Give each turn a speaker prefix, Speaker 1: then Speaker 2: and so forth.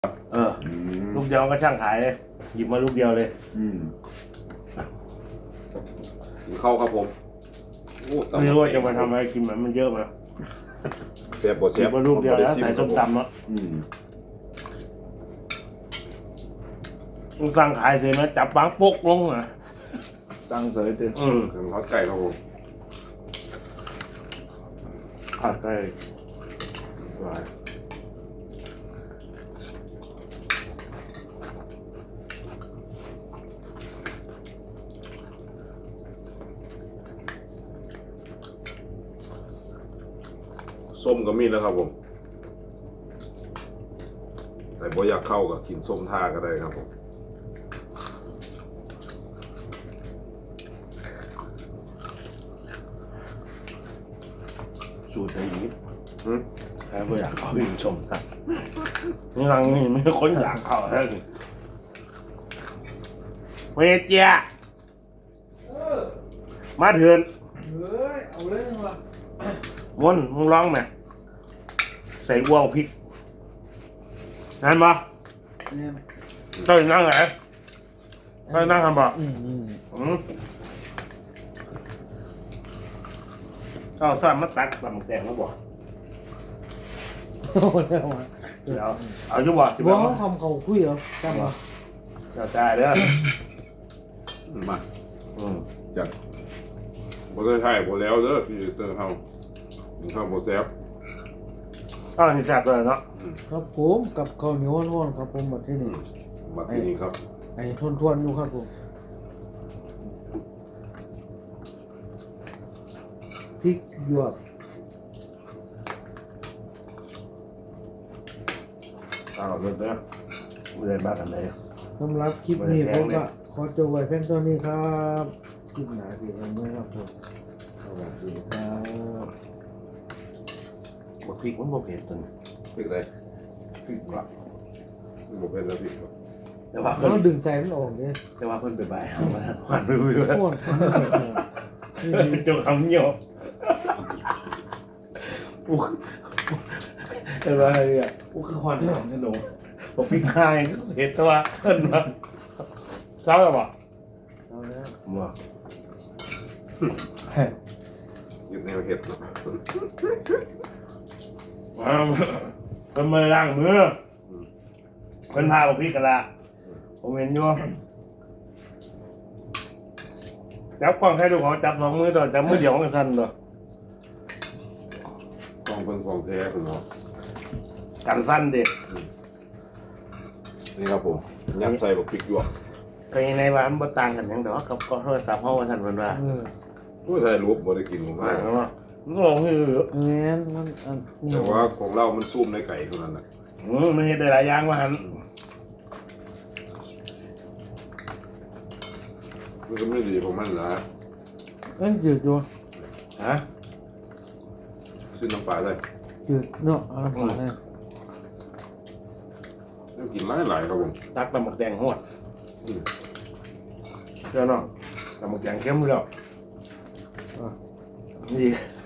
Speaker 1: ลูกเดียวก็ช่างขายเลยหยิบมาลูกเดียวเลย
Speaker 2: เข้าครับผม
Speaker 1: ไม่รู้ว่าจะมาทำอะไรกินมันเยอะมา
Speaker 2: เสียบเสียบ
Speaker 1: มาลูกเดียวแล้วใส่ส้มตำเนาะสั่งขายเลยนะจับบางปกลงอ่ะ
Speaker 2: ตั้งเสยเต็มทอดไก่ครับผม
Speaker 1: ผัดไก่
Speaker 2: ส้มก็มีแล้วครับผมแต่บ่อยากเข้ากับกินส้มท่าก็ได้ครับผม
Speaker 1: สูตรไทยยิบใครบ่อยากเข้ากินส้มท่านี่รังนี่ไม่คนอยากเข้าแท้เลยเวเจียมาเถื่อน
Speaker 3: เอาเรื่องมา
Speaker 1: วนมึงร้องไหมใส่วัวพริกนั่นปะเจ้านั่งไหนเจ้านั่งทำปะเจ้าสร้างมาตักตำแตงแล้วบ่เดี๋ยวเอาจุบ่
Speaker 3: บอกเขาคำเขาคุยเหรอใช่ปะ
Speaker 1: เจ้าจ่ายเด้อ
Speaker 2: มาจัดบ่ได้ถ่ายบ่แล้วเด้อพี่เตอร์เฮาข้าวบ่แซ่บ
Speaker 1: อ้าวนี่แซ่บเลยเนาะ
Speaker 3: ครับผมกับข้าวเหนียวร้อนครับผมแบบที่นี่
Speaker 2: มาที่นี่ครับ
Speaker 3: ไอ้ทวนอยู่ครับผมพริกหยวก
Speaker 1: อ้าวเริ่มแล้วไม่ได้มาทำไร
Speaker 3: สำหรับคลิปนี้ผมก็ขอจบไว้เพียงเท่านี้ครับคลิปหนาดีกันด้วยครับผมสวัสดีครับ
Speaker 1: พริกมันบ่เผ็ดตัวนี้
Speaker 2: พริกอะไร
Speaker 1: พริกกรอบ
Speaker 2: บ่เป็นแล้วพริก
Speaker 1: แต่ว่า
Speaker 3: เราดึงใจมันออกเนี่ย
Speaker 1: แต่ว่าเพิ่นไปบ่ายเอามาหวานไปเลย
Speaker 3: โคตรฟัง
Speaker 1: นี่จงคำเหี่ยวปุ๊กอะไรอ่ะปุ๊กคือควันของขนมบอกพริกไทยเผ็ดแต่ว่าเพิ่นมาเช้าแล้วบ่
Speaker 3: เอาแล้ว
Speaker 1: มั่ว
Speaker 2: ยึดแนวเห็ดเนาะ
Speaker 1: เพิ่นมาล้างมือเพิ่นพาบอกพริกกันละผมเห็นอยู่จับกล้องให้ดูเขาจับ2 มือต่อจับมือเดียวกันสั้นต่อก
Speaker 2: ล้องเป็นของแท้คุณเนาะ
Speaker 1: กันสั้นเด็ก
Speaker 2: นี่ครับผมยัดใส่บักพริกหยวก
Speaker 1: ก็ยังในว่ามันบ่ต่างกันหยังดอกกับก็โทรศัพท์เฮาว่าซั่นเพิ่นว่า
Speaker 2: ผู้ถ่ายรูปบ่ได้กินผมว่า
Speaker 1: มันก็ลงคือ
Speaker 3: แม่นมัน
Speaker 2: แต่ว่าของเรามันซุ่มในไก่เท่านั้นน่ะ
Speaker 1: มันเฮ็ดได้หลายอย่างว่าหั่น
Speaker 2: มันก็ไม่ดีของมันนะ
Speaker 3: จืดอยู่
Speaker 1: ฮะ
Speaker 2: ซื้อน้ำปลาได้
Speaker 3: จืดเนาะน้ำปลาได้
Speaker 2: ต้องกินหลายครับผม
Speaker 1: ตักตำบักแดงฮอดเจ้าน้องตำบักแดงเข้มแล้วนี่